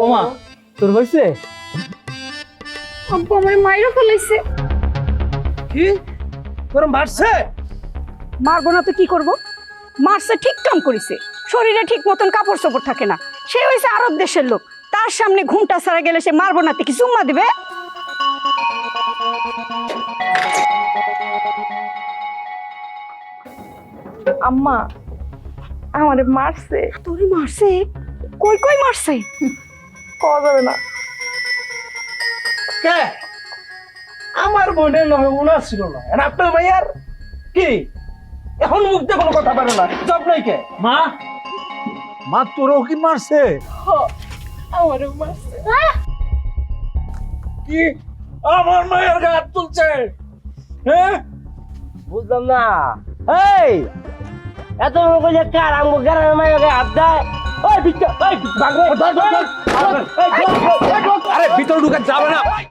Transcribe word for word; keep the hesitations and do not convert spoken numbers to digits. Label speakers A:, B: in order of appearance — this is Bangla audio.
A: ওমা তোর হইছে?
B: আব্বু আমার মাইরা ফেলাইছে।
C: কি তোর মারছে?
B: মারবো না তো কি করব? মারছে ঠিক কাম করেছে। শরীরে ঠিক মতন কাপড় চোপড় থাকে না। সে হইছে আরব দেশের লোক, তার সামনে ঘুমটা ছাড়া গেলে সে মারবো না তো কি চুম্মা দিবে?
D: আম্মা আমারে মারছে।
B: তোরে মারছে? কই কই মারছে?
D: কওয়া যাবে না।
C: কে? আমার বোনের নয়, ওনার ছিল না। আর আপনার ভাইয়ার কি এখন মুখ দিয়ে কোনো কথা পারে না, জব নাই কে?
A: মা মা তোরও কি মারছে?
D: আমারে মারছে।
C: কি আমার মায়ের গায়ে হাত তুলছে? হ্যাঁ
E: বুঝলাম না। এই এত কইলে কার আমগো গ্রামের মায়ের গায়ে হাত দেয়? ওই ভিতর ওই ভাগরে
C: ধর, ধর, ধর।
A: আরে ভিতরে ঢুকে যাবে না।